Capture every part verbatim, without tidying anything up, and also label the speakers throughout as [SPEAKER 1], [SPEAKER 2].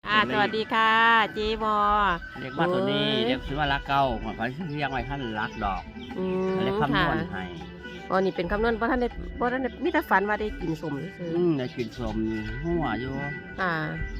[SPEAKER 1] อ่าสวัสดีค่ะเจ๊บอ
[SPEAKER 2] เรียกว่าตัวนี้เรียกชื่อว่ารักเก่าเหมือนเขาเรียกไว้ท่านรักดอก
[SPEAKER 1] อืม
[SPEAKER 2] เรียกคำน
[SPEAKER 1] ค่ะ
[SPEAKER 2] วณให้
[SPEAKER 1] อ๋อนี่เป็นคำนวณเพราะท่านได้เพราะท่านได้มีแต่ฝันว่าได้กินสมซื่อ
[SPEAKER 2] อืมในกินสมหัวอยู่
[SPEAKER 1] ๆอ่า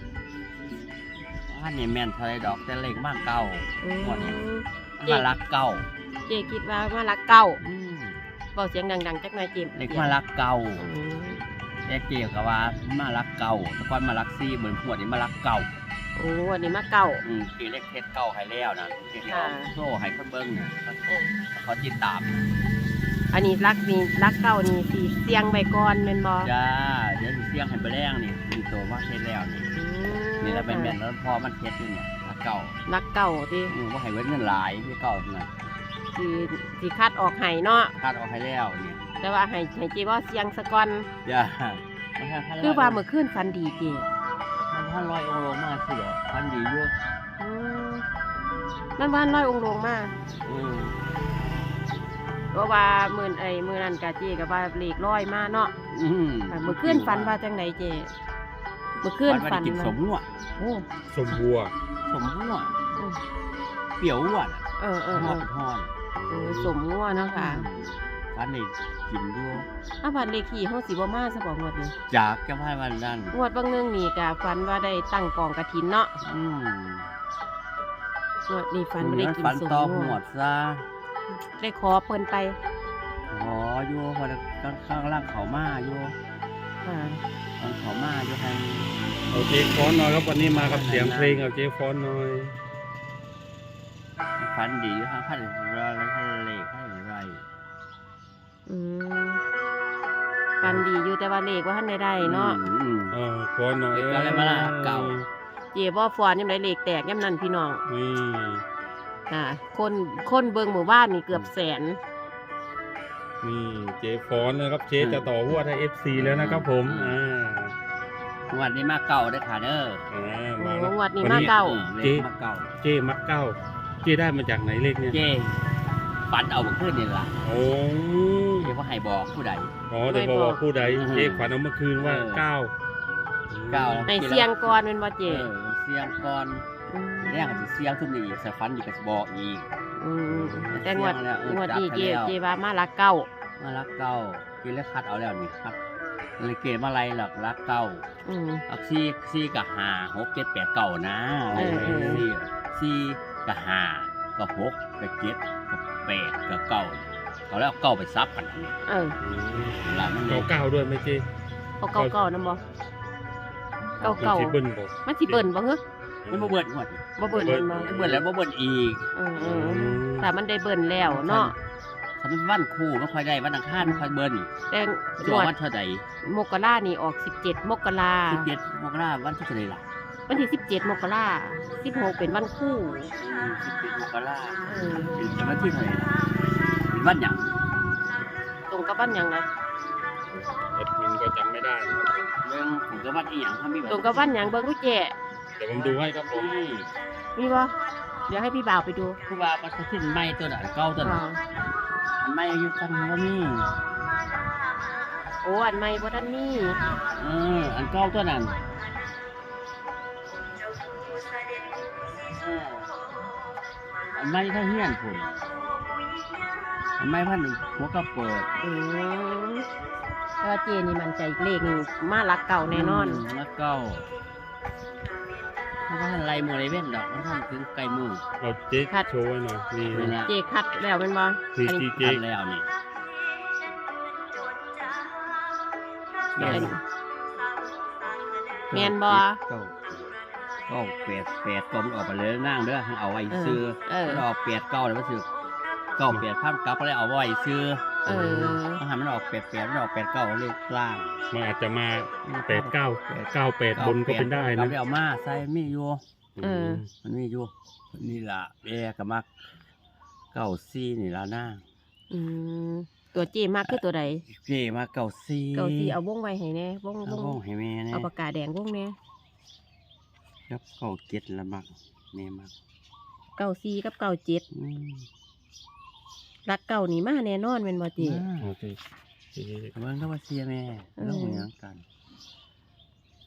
[SPEAKER 2] ท่านนี่แม่นเท่าไรดอกแต่เล็กมากเก่า
[SPEAKER 1] อืม
[SPEAKER 2] หัวนี้มารักเก่า
[SPEAKER 1] เจ๊คิดว่ามารักเก่า
[SPEAKER 2] อืม
[SPEAKER 1] เบาเสียงดังๆจักหน่อยเจ๊
[SPEAKER 2] เล็กมารักเก่า
[SPEAKER 1] อืม
[SPEAKER 2] แต่เกี่ยวกับว่ามารักเก่าแต่ก่อนมารักซี่เหมือนหัวนี้มารักเก่า
[SPEAKER 1] โอ้วันนี้มาเก่า
[SPEAKER 2] อืมกี่เล็กเทศเก่าให้แล้วนะเกี่ยว
[SPEAKER 1] ค่ะ
[SPEAKER 2] โซ่ให้คนเบิ้งเนี่ย
[SPEAKER 1] เออ
[SPEAKER 2] เขาติดตาม
[SPEAKER 1] อันนี้รักนี่รักเก่านี่สีเสียงใบก่อนเป็นบอ
[SPEAKER 2] จ้าเดี๋ยวสิเสียงให้ไปแรงนี่มีตัวว่าเทศแล้วนี่
[SPEAKER 1] อืม
[SPEAKER 2] นี่แล้วเป็นแม่นแล้วพอมันเทศอยู่เนี่ยรักเก่า
[SPEAKER 1] รักเก่าที่
[SPEAKER 2] อืมว่าให้เว้นเงินหลายพี่เก่าน่ะ
[SPEAKER 1] สีสีคัดออกไห้เนาะ
[SPEAKER 2] คาดออกให้แล้วเนี่ย
[SPEAKER 1] แต่ว่าไห้ไห้เจ๊ว่าเสียงสะก่อน
[SPEAKER 2] จ้ามันท่าน
[SPEAKER 1] คือว่าเมื่อคืนฝันดีเจ๊
[SPEAKER 2] มันท่านลอยองค์ลงมาเสือท่านดีอยู่
[SPEAKER 1] อืมมันว่านร้อยองค์ลงมา
[SPEAKER 2] อืม
[SPEAKER 1] เพราะว่ามื่นไอ้มื่อนั้นกะเจกับว่าเลขร้อยมาเนาะ
[SPEAKER 2] อืม
[SPEAKER 1] อ่ามื่อคืนฝันว่าจังไดเจมื่อคืน
[SPEAKER 2] ฝั
[SPEAKER 1] ฝั
[SPEAKER 2] น
[SPEAKER 1] น
[SPEAKER 2] ว่าได้กินสมหัว
[SPEAKER 1] โอ้
[SPEAKER 3] สมบัว
[SPEAKER 2] สมหัว
[SPEAKER 1] อืม
[SPEAKER 2] เปรี้ยวหัวน่ะ
[SPEAKER 1] เออเออ
[SPEAKER 2] หั
[SPEAKER 1] เอ
[SPEAKER 2] ว
[SPEAKER 1] อ
[SPEAKER 2] เป็นทอน
[SPEAKER 1] เออสมงัวเนาะค่ะ
[SPEAKER 2] ท่านนี่กินด้วย
[SPEAKER 1] ถ้าฝันเลขที่ห้องสีบ่มาซะบอกงวดนี้
[SPEAKER 2] จากแก้พายวันนั้น
[SPEAKER 1] งวดบางหนึงนี่กะฝันว่าได้ตั้งกองกระถินเนาะ
[SPEAKER 2] อืม
[SPEAKER 1] งวดนี้ฝันว่าได้กิน
[SPEAKER 2] ฝัน
[SPEAKER 1] สม
[SPEAKER 2] ต่อ
[SPEAKER 1] งั
[SPEAKER 2] หั
[SPEAKER 1] ว
[SPEAKER 2] วซะ
[SPEAKER 1] ได้ขอเพิ่นไป
[SPEAKER 2] ขออยู่พอข้างล่างเขามาอยู่
[SPEAKER 1] อ่า
[SPEAKER 2] ตอนเขามาอยู่ทาง
[SPEAKER 3] เอาเจ๊ฟอนหน่อยครับวันนี้มากับเสียงเพลงเอาเจ๊ฟอนหน่อย
[SPEAKER 2] ฝันดีอยู่ทางพันเราทะเลให้ไร
[SPEAKER 1] อืมฝันดีอยู่แต่ว่าเลขว่าท่านได้ได้เนาะ
[SPEAKER 2] อืม
[SPEAKER 3] เออฟอนหน่อย
[SPEAKER 2] เด็กก็เลยมาล่ะเก่า
[SPEAKER 1] เจบ่ฟอนยังไดเลขแตกยามนั้นพี่น้อง
[SPEAKER 3] นี่
[SPEAKER 1] อ่าคนคนเบิงหมู่บ้านนี่เกือบแสน
[SPEAKER 3] นี่เจ๊ฟอนนะครับเจ๊จะต่อหัวให้เอฟซีแล้วนะครับผมอ่า
[SPEAKER 2] วันนี้มาเก่าได้อค่ะเด้อ
[SPEAKER 3] อ่า
[SPEAKER 1] โอ้
[SPEAKER 3] มาแล้ว
[SPEAKER 1] งวดนี้มาเก่า
[SPEAKER 2] ออเลขมาเก่า
[SPEAKER 3] เจ๊มักเก้าเจ๊ได้มาจากไหนเลขเนี่ย
[SPEAKER 2] เจ้ฝันเอาเมื่อคืนนี่ล่ะ
[SPEAKER 3] โอ้
[SPEAKER 2] เจ้ว่าให้บอกผู้ใด
[SPEAKER 3] อ๋อแต่บอกว่าผู้ใด
[SPEAKER 2] อืม
[SPEAKER 3] เจ๊ฝันเอาเมื่อคืนว่า
[SPEAKER 2] เออ
[SPEAKER 3] เก้า
[SPEAKER 2] เก้า
[SPEAKER 1] ในเสียงก่อนเป็นบ่เจ
[SPEAKER 2] เออเสียงก่อน
[SPEAKER 1] ม
[SPEAKER 2] แรกก็สิเสียงทุกนี้อีกสฝันอยู่ก็สิบอกอีก
[SPEAKER 1] อืมแต่งวด
[SPEAKER 2] เสียงแล้วเออง
[SPEAKER 1] วดนี้เจ
[SPEAKER 2] จับไปแล้ว
[SPEAKER 1] เจว่ามาลักเก้า
[SPEAKER 2] มารักเก่ากินแล้วคัดเอาแล้วนี่ครับเลยเกมาอะไรหลักรักเก่า
[SPEAKER 1] อืม
[SPEAKER 2] อักซี่ซี่กับหาหกเจ็ดแปดเก่านะอะไร
[SPEAKER 1] เออเออ
[SPEAKER 2] ซี่ซี่กับหากับหกกับเจ็ดกับแปดกับเก่าเขาแล้วเอาเก่าไปซับกันนี่
[SPEAKER 1] เออ
[SPEAKER 2] หลังมันเล
[SPEAKER 3] เก้าย เก้าด้วยไหมเจ๊
[SPEAKER 1] เอาเก้าเก้านํบ่เก้าเก้า
[SPEAKER 3] มันสิเบิ้ลบอก
[SPEAKER 1] มันสิเบิ่นบ่เหรอ
[SPEAKER 2] มันบ่เบิ่นหมด
[SPEAKER 1] บ่เบิ่นแม่นบ่
[SPEAKER 2] มันเบิ่นแล้วบ่เบิ่นอีก
[SPEAKER 1] เออเออแต่มันได้เบิ่นแล้วเนาะ
[SPEAKER 2] ถ้ามันวันคู่ไม่ค่อยได้วันอังคารไม่ค่อยเบิ่น
[SPEAKER 1] แต่
[SPEAKER 2] ช่
[SPEAKER 1] ง
[SPEAKER 2] วง
[SPEAKER 1] วด
[SPEAKER 2] วันเท่าใด
[SPEAKER 1] มกรานี่ออกสิบเจ็ดมกรา
[SPEAKER 2] สิบเจ็ดมกราวันที่เท่าใดล่ะ
[SPEAKER 1] วันที่สิบเจ็ดมกราสิบหกเป็นวันคู่
[SPEAKER 2] สิบเจ็ดมกรา
[SPEAKER 1] เออ
[SPEAKER 2] เป็นวันที่เท่าใดล่ะเป็นวันหยัง
[SPEAKER 1] ตรงกับวันหยังนะ
[SPEAKER 3] แอดมินก็จำไม่ได้นะครับ
[SPEAKER 2] เรื่องผมก็วันอีหยังทำมี
[SPEAKER 1] ตรงกับวันหยังเบิ่งดูเจ
[SPEAKER 3] เดี๋ยวผมดูให้ครับผม
[SPEAKER 2] นี่
[SPEAKER 1] มีบ่เดี๋ยวให้พี่บ่าวไปดู
[SPEAKER 2] คือว่ามันขึ้นไม้ตัวน่ะเก่าตัวน่ะ
[SPEAKER 1] อ่า
[SPEAKER 2] มันไม่อยู่กันว่ามี
[SPEAKER 1] โอ้อันใหม่บ่ทันมี
[SPEAKER 2] เอออันเก่าตัวนั้นเอออันไม่ถ้าเฮี้ยนพุ่นอันไม่พันหัวกระเปิด
[SPEAKER 1] อืมแต่ว่าเจนี่มันใจเลขนี่มาลักเก่าแน่นอน
[SPEAKER 2] มแล้วเก่าเพราะว่าอะไรมือไรเว้นดอกมันทำถึงไกลมือ
[SPEAKER 3] เอาเจ๊โชว์ไว้หน่อยนี่
[SPEAKER 2] นี่นะ
[SPEAKER 1] เจคัดแล้วแม่นบ่
[SPEAKER 3] นี่
[SPEAKER 1] อัน
[SPEAKER 3] ที่
[SPEAKER 1] นี้
[SPEAKER 3] เจ๊
[SPEAKER 2] ทำแล้วนี่
[SPEAKER 3] ได้
[SPEAKER 1] อันนี้แม่นบ่
[SPEAKER 2] เก้าเก้าแปดแปดก็มันออกไปเลยนั่งเด้อให้เอาไว้ซื้อ
[SPEAKER 1] เออ
[SPEAKER 2] มันออกแปดเก้าเลยมันซื้อเก้าแปดพันกลับก็เลยเอาไว้ซื้อ
[SPEAKER 1] เออ
[SPEAKER 2] มันหันมันออกแปดแปดมันออกแปดเก้าเลขล่าง
[SPEAKER 3] มันอาจจะมาแปดเก้าเก้าแปดบนก็เป็นได้
[SPEAKER 2] กลั
[SPEAKER 3] นะ
[SPEAKER 2] บไปเอามาใส่มีอยู่
[SPEAKER 1] เออ
[SPEAKER 2] มันมีอยู่นี่ล่ะแอกับมักเก้าซี่นี่แล้วนะ
[SPEAKER 1] อืมตัวเจมากคือตัวใด
[SPEAKER 2] เจมาเก้าซี่
[SPEAKER 1] เก่าสีเอาวงไว้ให้แน่วง
[SPEAKER 2] เอา
[SPEAKER 1] ว
[SPEAKER 2] ว
[SPEAKER 1] ง
[SPEAKER 2] งให้แม่เนี่ย
[SPEAKER 1] เอาปากกาแดงวงแน่
[SPEAKER 2] ครับเก้าเจ็ดละมักแม่มัก
[SPEAKER 1] เก่าสีกับเก่าเจ็ด
[SPEAKER 2] อืม
[SPEAKER 1] รักเก่านี่มาแน่นอนแม่นบ่เจ
[SPEAKER 2] มา
[SPEAKER 3] โอเค
[SPEAKER 2] เบิ่งก็ว่าเสียแม่
[SPEAKER 1] เออ
[SPEAKER 2] เรื่องเหมือนกัน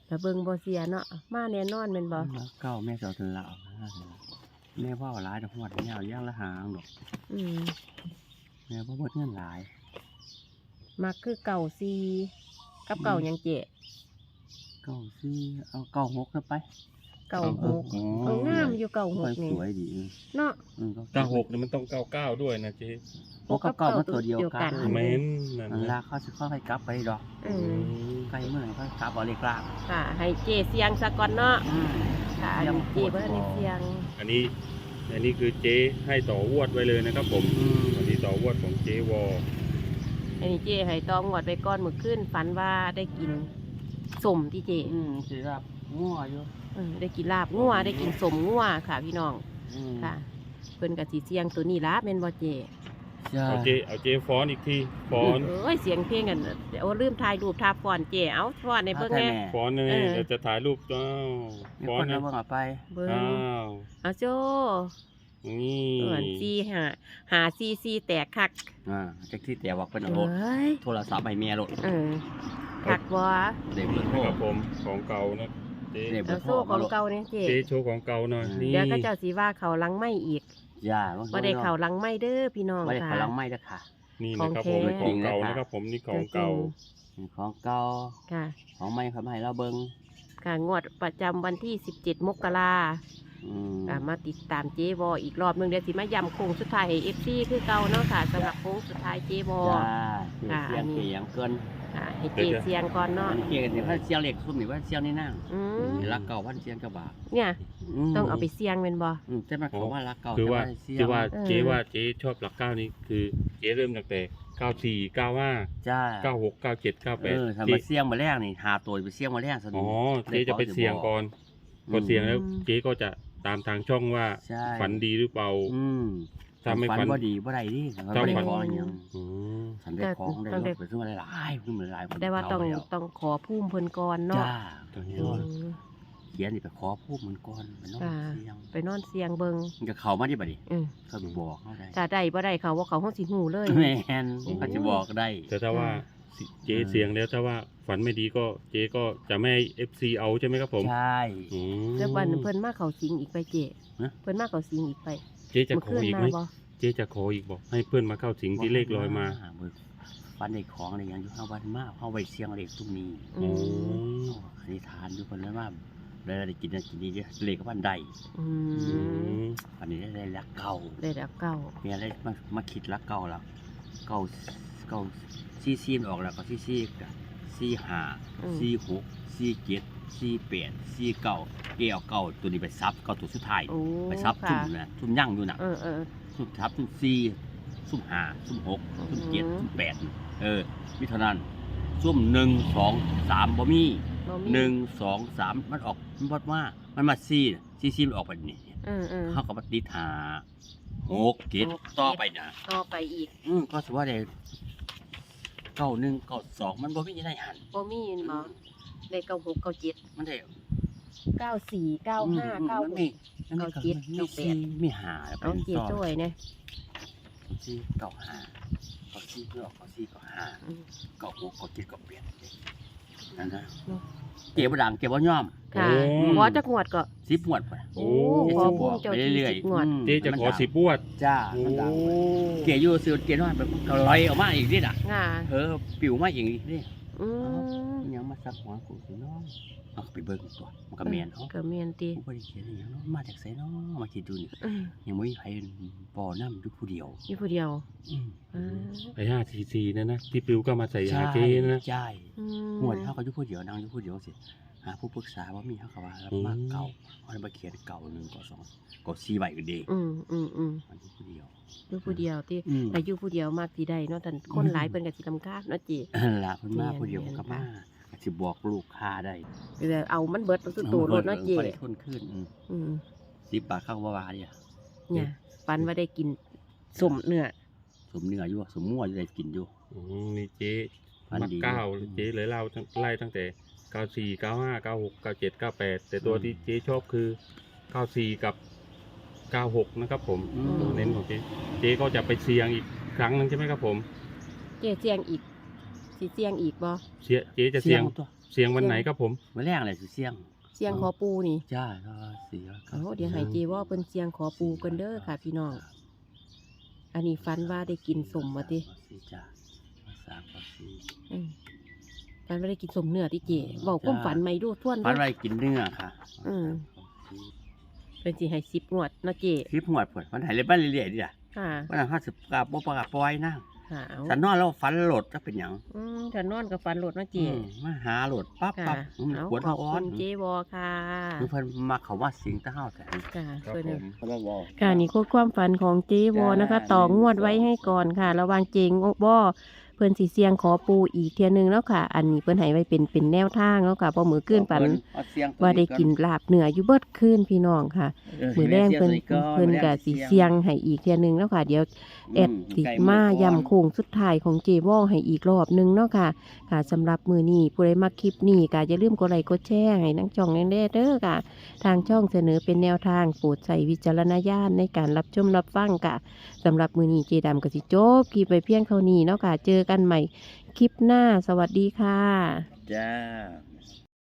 [SPEAKER 1] แต่เบิ่งบ่เสียเนาะมาแน่นอนแม่นบ่
[SPEAKER 2] เก้าแม่เจ้าถึงละเอาแม่ว่าหลายดอกหวดแนวย่างละหางดอก
[SPEAKER 1] อืม
[SPEAKER 2] แม่ว่าหมดเงินหลาย
[SPEAKER 1] มักคือเก่าซีกับเก่าหยังเจ๊
[SPEAKER 2] เก้าซี่เอาเก้าหกนะไป
[SPEAKER 1] เก่าหก
[SPEAKER 2] โอ้
[SPEAKER 1] เอองามอยู่เก่าห
[SPEAKER 2] ค่อก ย
[SPEAKER 1] นี่
[SPEAKER 2] สวยดี
[SPEAKER 1] เนาะ
[SPEAKER 2] อืม
[SPEAKER 3] เก้าหกเนี่ยมันต้องเก้าเก้าด้วยนะเจ๊
[SPEAKER 2] หกกับเก้ามันตัวเดียวกัน
[SPEAKER 3] เม้นนั่น
[SPEAKER 2] อัน
[SPEAKER 3] นะ
[SPEAKER 2] ลาเขาสิค่อยๆกลับไปดอก
[SPEAKER 1] เอ
[SPEAKER 3] อื
[SPEAKER 1] อ
[SPEAKER 3] ม
[SPEAKER 2] ใกล้เมื่อไหร่ก็กลับเอาเล็กลาก
[SPEAKER 1] ค่ะ ให้เจ๊เสียงซะก่อนเนาะ
[SPEAKER 2] อืม
[SPEAKER 1] ค่ะอันนี้เจ๊บ่ทันได้เสียง
[SPEAKER 3] อันนี้อันนี้คือเจ๊ให้ต่อวดไว้เลยนะครับผม
[SPEAKER 2] อืม
[SPEAKER 3] อันนี้ต่อวดของเจ๊วอ
[SPEAKER 1] อันนี้เจ๊ให้ตองวดไว้ก่อนมื้อคืนฝันว่าได้กินสมที่เจ๊
[SPEAKER 2] อืมสิรับงัวอยู่
[SPEAKER 1] เออได้กินลาบงัวได้กินสมงัวค่ะพี่น้อง
[SPEAKER 2] อืม
[SPEAKER 1] ค่ะ เพิ่นก็สิเสียงตัวนี้ล่ะแม่นบ่เจ๊
[SPEAKER 2] ใช่
[SPEAKER 3] เอาเจ๊เอาเจ๊ฟ้อนอีกทีฟ้อน
[SPEAKER 1] เอ้ยเสียงเพลงกันเดี๋ยวลืมถ่ายรูปทาฟ้อนเจ๊เอาฟ้อนในเบิ่งแหน่
[SPEAKER 3] ฟ้อนเลย
[SPEAKER 1] เออ
[SPEAKER 3] เดี๋ยวจะถ่ายรูปอ้าว
[SPEAKER 2] มี
[SPEAKER 3] ฟ้อ
[SPEAKER 2] คน น
[SPEAKER 3] นะ
[SPEAKER 2] เอาเบิ่งเอาไป
[SPEAKER 1] เบิ่ง
[SPEAKER 3] อ้าว
[SPEAKER 1] เอาโจ
[SPEAKER 3] นี่
[SPEAKER 1] เอิ้นซีหาหาซีซีแตกคัก
[SPEAKER 2] อ่าจักที่แต่ว่าเป็น
[SPEAKER 1] เอ
[SPEAKER 2] เอารถ
[SPEAKER 1] ้ย
[SPEAKER 2] โทรศัพท์ให้เมียรถ
[SPEAKER 1] เออคักบ่
[SPEAKER 2] เด็กเบอร์โทร
[SPEAKER 3] นะครับผมของเก่านะเจ๊
[SPEAKER 2] เด็กเบอ
[SPEAKER 1] เอา
[SPEAKER 2] ร์โทร
[SPEAKER 1] โซ่ของ
[SPEAKER 2] มารถ
[SPEAKER 1] เก่าเนี่ยเจ๊
[SPEAKER 3] เจ๊โชว์ของเก่าหน่อย
[SPEAKER 2] อืม
[SPEAKER 3] นี่
[SPEAKER 1] เดี๋ยวก็เจ้าสิว่าเขาหลังไม่อีก
[SPEAKER 2] ย่า
[SPEAKER 1] บ่ได้เขาหลังไม่เด้อพี่น้อง
[SPEAKER 2] ไม่ได้
[SPEAKER 1] ค่ะ
[SPEAKER 2] เขาลังไม่ได้อค่ะ
[SPEAKER 3] นี่นะครับผม
[SPEAKER 1] ของแท้
[SPEAKER 3] ของเก่านะครับผมนี่ของเก่า
[SPEAKER 2] ของเก่า
[SPEAKER 1] ค่ะ
[SPEAKER 2] ของไม่เขาไม่ให้เราเบิ่ง
[SPEAKER 1] ค่ะงวดประจำวันที่สิบเจ็ดมกรา
[SPEAKER 2] อืม
[SPEAKER 1] ค่ะมาติดตามเจ๊บออีกรอบหนึงเดี๋ยวสิมาย้ำโค้งสุดท้ายให้ เอฟ ซี คือเก่าเนาะค่ะสำหรับโค้งสุดท้ายเจ๊บอ
[SPEAKER 2] จ้า
[SPEAKER 1] ค่ะ
[SPEAKER 2] เสียง
[SPEAKER 1] อันนี้
[SPEAKER 2] เสียงเกิน
[SPEAKER 1] ค่ะให้เจ๊เสียงก่อนเนาะ
[SPEAKER 2] อันนี้เกี่ยวกับเนี่ยพันเสียงเหล็กซุ่มนี่ว่าเสียงนี่นั่ง
[SPEAKER 1] อืม
[SPEAKER 2] รักเก่าพันเสียงกระบะ
[SPEAKER 1] เนี่ย
[SPEAKER 2] ม
[SPEAKER 1] ต้องเอาไปเสียงเป็นบ่
[SPEAKER 2] อืมแต่มันเขาว่ารักเก่า
[SPEAKER 3] คือว่า
[SPEAKER 2] แต่เสียง
[SPEAKER 3] คือว่า
[SPEAKER 1] เออ
[SPEAKER 3] เจ๊ว่าเจ๊ชอบหลักเก้านี้คือเจ๊เริ่มตั้งแต่เก้าสี่เก้าห้า
[SPEAKER 2] จ้า
[SPEAKER 3] เก้าหกเก้าเจ็ดเก้าแป
[SPEAKER 2] เอ
[SPEAKER 3] ด
[SPEAKER 2] อทำมาเสียงมาแรกนี่หาตัวไปเสียงมาแรกสนุ
[SPEAKER 3] อ๋
[SPEAKER 2] ก
[SPEAKER 3] อเจ๊จะไปเสี่ยงก่อนพอเสี่ยงแล้วเจ๊ก็จะตามทางช่องว่า
[SPEAKER 2] ใช่
[SPEAKER 3] ฝันดีหรือเปล่า
[SPEAKER 2] อืม
[SPEAKER 3] ถ้าไม่
[SPEAKER 2] ฝั
[SPEAKER 3] ฝั
[SPEAKER 2] น
[SPEAKER 3] น
[SPEAKER 2] ว่าดีว่าใดดิฉัน
[SPEAKER 3] ถ้า
[SPEAKER 2] ไม่
[SPEAKER 3] ฝั
[SPEAKER 2] ได้
[SPEAKER 3] น
[SPEAKER 2] ขออย่าง
[SPEAKER 3] อืม
[SPEAKER 2] ฉันได้ของได้รถไปขึ้นมาหลายๆขึ้นมาหลายๆ
[SPEAKER 1] ได้ว่าต้อง
[SPEAKER 2] เแล้ว
[SPEAKER 1] ต้องขอพุ่มเพิ่นก่อนเนาะ
[SPEAKER 2] จ้า
[SPEAKER 3] ตอนนี้
[SPEAKER 1] อืม
[SPEAKER 2] เขียนนี่ไปขอพูดเหมือนก่อนไปนอน
[SPEAKER 1] ค่ะ
[SPEAKER 2] เสียง
[SPEAKER 1] ไปนอนเสียงเบิง
[SPEAKER 2] มันจะเข้ามาที่บัดนี้
[SPEAKER 1] อืม
[SPEAKER 2] เขาไปบอกเขาได้
[SPEAKER 1] ถ้าได้บ่ได้เขาว่าเขาห้องสิหูเลย
[SPEAKER 2] แม่นเขาจะบอกได้
[SPEAKER 3] แต่ถ้าว่าเจ๊เสี่ยงแล้วถ้าว่าฝันไม่ดีก็เจ๊ก็จะไม่ให้เอฟซีเอาใช่ไหมครับผม
[SPEAKER 2] ใช่
[SPEAKER 3] อืม
[SPEAKER 1] แล้ววันเพิ่นมาเขาสิงอีกไปเจ๊
[SPEAKER 2] ฮะ
[SPEAKER 1] เพิ่นมาเขาสิงอีกไป
[SPEAKER 3] เจ๊จะ
[SPEAKER 1] เมื่อ
[SPEAKER 3] ขอ
[SPEAKER 1] คืน
[SPEAKER 3] อีก
[SPEAKER 1] มา
[SPEAKER 3] ไหม
[SPEAKER 1] บ่
[SPEAKER 3] เจ๊จะขออีกบอกให้เพื่อนมาเข้าสิงที่เลขลอยมา
[SPEAKER 2] เบิกฟันในของอะไรอย่างอยู่ห้าวันมากเข้าไปเสียงเลขตรงนี้
[SPEAKER 1] อื
[SPEAKER 3] โอ้
[SPEAKER 1] ม
[SPEAKER 2] อธิษฐานอยู่คนแล้วว่าเลยได้กินนั่นกินนี่เด้อเลขก็พันใด
[SPEAKER 1] อื
[SPEAKER 3] อื
[SPEAKER 1] ม
[SPEAKER 3] ม
[SPEAKER 2] อันนี้ได้รักเก่า
[SPEAKER 1] ได้แล้วเก่า
[SPEAKER 2] เมียได้มามาคิดรักเก่าแล้วเก่าเก่าซีซีมันออกแล้วก็ซีซีกับซีห้า
[SPEAKER 1] อืม
[SPEAKER 2] ซีหกซีเจ็ดซีแปดซีเก่าเกี่ยวเก่าตัวนี้ไปซับเก่าตัวสุดท้าย
[SPEAKER 1] โอ้
[SPEAKER 2] ไปซับ
[SPEAKER 1] ค่ะ
[SPEAKER 2] ซุ่มนะซุ่มยั่งอยู่น่ะ
[SPEAKER 1] เออเออ
[SPEAKER 2] ซุ่มทับซุ่มซีซุ่มห้าซุ่มหกซุ่มเจ็ด
[SPEAKER 1] อืม
[SPEAKER 2] ซุ่มแปดเออมีเท่านั้นซุ่มหนึ่งสองสามบ่มี
[SPEAKER 1] บ่มี
[SPEAKER 2] หนึ่งสองสามมันออกมันบดว่ามันมาซีน่ะซีซีมันออกไปนี่
[SPEAKER 1] เออเออ
[SPEAKER 2] เขาก็มาติดหาหกเจ็ดต่อไปนะ
[SPEAKER 1] ต่อไปอีก
[SPEAKER 2] อืมก็สว่าได้เก้าหนึ่งเก้าสองมันบ่มีอะไรหัน
[SPEAKER 1] บ่มีเห็นบ่ได้เก้าหกเก้าเจ็ด
[SPEAKER 2] มันได้
[SPEAKER 1] เก้าสี่เก้าห้า
[SPEAKER 2] อืม
[SPEAKER 1] เก้า
[SPEAKER 2] มัน
[SPEAKER 1] ห
[SPEAKER 2] มี
[SPEAKER 1] ก
[SPEAKER 2] มันมี
[SPEAKER 1] เก้าเจ็ด
[SPEAKER 2] มี
[SPEAKER 1] เก้าแป
[SPEAKER 2] ซี
[SPEAKER 1] ด
[SPEAKER 2] มีหาแล้ว
[SPEAKER 1] เอา
[SPEAKER 2] เป็น
[SPEAKER 1] เจ๊
[SPEAKER 2] ต่อ
[SPEAKER 1] จ้อยเนี่ย
[SPEAKER 2] ซีเก้าห้าเก้าซีเก้าเก้าซีเก้าห้า
[SPEAKER 1] อืม
[SPEAKER 2] เก้าหกเก้าเจ็ดเก้าแปดนั่นนะ
[SPEAKER 1] เนาะ
[SPEAKER 2] เก็บบ่ดังเก็บบ่ย่อม
[SPEAKER 1] ค่ะ
[SPEAKER 3] โอ้
[SPEAKER 1] ขอจักงวดก็
[SPEAKER 2] สิบหมวดไป
[SPEAKER 3] โอ้
[SPEAKER 1] ขอพุ่มเจ้า
[SPEAKER 2] ไป
[SPEAKER 1] ที่
[SPEAKER 2] เรื่อย
[SPEAKER 1] สิบ
[SPEAKER 2] ๆ
[SPEAKER 1] งวด
[SPEAKER 2] อืม
[SPEAKER 3] เจ๊จะขอสิบวด
[SPEAKER 2] จ้า
[SPEAKER 3] โอ้
[SPEAKER 2] มันดังไปเกี่ยอยู่ซื้อเกี่ยน้อยแบบก็ลอยออกมาอีกนิดอ่ะ
[SPEAKER 1] ง่า
[SPEAKER 2] เออปิวมาอีกนิดนี่
[SPEAKER 1] อืม
[SPEAKER 2] ยังมาซักหัวกูสิน้องเอาไปเบิ่งตัวมันก็แม่นเฮา
[SPEAKER 1] ก็เมียนติ
[SPEAKER 2] กูบ่ได้เขียนอหยังเนาะมาจากไสเนาะมาคิดดูนี่
[SPEAKER 1] อืม
[SPEAKER 2] ยังบ่มีไผบ่นำอยู่ผู้เดียว
[SPEAKER 1] อยู่ผู้เดียว
[SPEAKER 2] อืม
[SPEAKER 1] อ่า
[SPEAKER 3] ไปห้าซีซีนะนะที่ปิวก็มาใส่ยาเจ๊นะ
[SPEAKER 2] ใช่
[SPEAKER 1] อื
[SPEAKER 2] หมวดเฮาก็อยู่ผู้เดียวนั่งอยู่ผู้เดียวสิหาผู้ปรึกษาว่ามีเฮาก็ว่ารับมาเก่าเฮาเลยมาเขียนเก่าหนึ่งก่อสองก่อสี่ใบก็ดี
[SPEAKER 1] อืมอืมอืม
[SPEAKER 2] มันอยู่ผู้เดียว
[SPEAKER 1] อยู่ผู้เดียวติ
[SPEAKER 2] อืม
[SPEAKER 1] แต่อยู่ผู้เดียวมากสิได้เนาะแต่คนหลายเพิ่นก็สิรำคาญเนาะจิ
[SPEAKER 2] นั่นล่ะเพิ่นมา
[SPEAKER 1] แม่น
[SPEAKER 2] ผู้เดียว
[SPEAKER 1] แม่น
[SPEAKER 2] ก็มา
[SPEAKER 1] ค่ะ
[SPEAKER 2] ก็สิบอกลูกค้าได้
[SPEAKER 1] แต่เอามันเบิดสุดโตรถเนาะจิ
[SPEAKER 2] บ่ได้ทุนขึ้นอืม
[SPEAKER 1] อืม
[SPEAKER 2] สิบบาทเข้าบ่ว่าเด้อ
[SPEAKER 1] เนี่ยปันว่าได้กินสมเนื้อ
[SPEAKER 2] สมเนื้ออยู่สมมั่วอยู่ได้กินอยู่
[SPEAKER 3] อืมนี่เจ๊
[SPEAKER 2] พัน
[SPEAKER 3] มา
[SPEAKER 2] ดี
[SPEAKER 3] เก้าเจ๊เลยเล่าทั้งไล่ตั้งแต่เก้าสี่เก้าห้าเก้าหกเก้าเจ็ดเก้าแปดแต่ตัวที่เจ๊ชอบคือเก้าสี่กับเก้าหกนะครับผม
[SPEAKER 2] อืม
[SPEAKER 3] ตัวเน้นของเจ๊เจ๊ก็จะไปเสี่ยงอีกครั้งหนึงใช่ไหมครับผม
[SPEAKER 1] เจ๊เสียงอีกสิเสียงอีกบ่
[SPEAKER 3] เสียเจ๊จะเสี่ยง
[SPEAKER 2] ตัว
[SPEAKER 3] เสียงวันไหนครับผม
[SPEAKER 2] มื้อแรกเลยสิเสี่ยง
[SPEAKER 1] เสียงขอปูนี่
[SPEAKER 2] จ้าก็เสีย
[SPEAKER 1] เอาเดี๋ยวให้เจว่าเพิ่นเสียงขอปูกันเด้อค่ะ พี่น้อง อันนี้ฝันว่าได้กินสมมาติ
[SPEAKER 2] สิจ้าสามก็สี่
[SPEAKER 1] อืมฝันว่าได้กินสมเนื้อที่เจเว้าความฝันใหม่ดูทวน
[SPEAKER 2] ฝัน
[SPEAKER 1] เด้อ
[SPEAKER 2] ไว้กินเนื้อค่ะ
[SPEAKER 1] อืม เป็นสิให้สิบงวดเนาะเจ
[SPEAKER 2] คลิปหวดผลมันหายเลยบ้านเรื่อยๆดิจ้ะ
[SPEAKER 1] ค่ะ
[SPEAKER 2] วันนั้นห้าสิบกาบปกาปล่อยนั่ง
[SPEAKER 1] ค่ะเอา
[SPEAKER 2] ฉันนอนแล้วฝันโหลดจะเป็นหยัง
[SPEAKER 1] อืมถ้านอนกับฝันโหลดเนาะเจ
[SPEAKER 2] อืมมาหาโหลดปั๊บ
[SPEAKER 1] ค่ะ
[SPEAKER 2] ปั๊บมัน
[SPEAKER 1] เอา
[SPEAKER 2] ปวด
[SPEAKER 1] ขอบ
[SPEAKER 2] ท้อ
[SPEAKER 1] คุ
[SPEAKER 2] น
[SPEAKER 1] ณเจวอค่ะ
[SPEAKER 2] คือเพิ่นมาเขาว่าสิงตะเฮาแต่
[SPEAKER 1] ค่ะ
[SPEAKER 3] ครับ
[SPEAKER 1] เพิ่น
[SPEAKER 3] ผ
[SPEAKER 1] น่ะ
[SPEAKER 3] ม
[SPEAKER 2] เขาบอก
[SPEAKER 1] ค่ะนี่คือความฝันของเจวอนะคะ ต่องวดไว้ให้ก่อนค่ะ ระหวังเจงวอเพิ่นสิเสียงขอปูอีกเทียหนึงแล้วค่ะ อันนี้เพิ่นให้ไว้เป็นเป็นแนวทางแล้วค่ะพอมือขึ้นฝันว่าได้กินลาบเนื้ออยู่เบิดคืนพี่น้องค่ะ มือแรงเพิ่นเพิ่นก็สิเสียงให้อีกเทียหนึงแล้วค่ะ เดี๋ยวแอดติมาย่ำโค้งสุดท้ายของเจวอให้อีกรอบหนึงเนาะค่ะ ค่ะสำหรับมือนี้ผู้ใดมาคลิปนี้ก็อย่าลืมกดไลค์กดแชร์ให้นังจ่องแน่ๆเด้อค่ะ ทางช่องเสนอเป็นแนวทางโปรดใช้วิจารณญาณในการรับชมรับฟังค่ะสำหรับมือนี้เจดำก็สิจบคลิปไปเพียงเท่านี้เนาะค่ะ เจอกันใหม่คลิปหน้าสวัสดีค่ะ
[SPEAKER 2] จ้า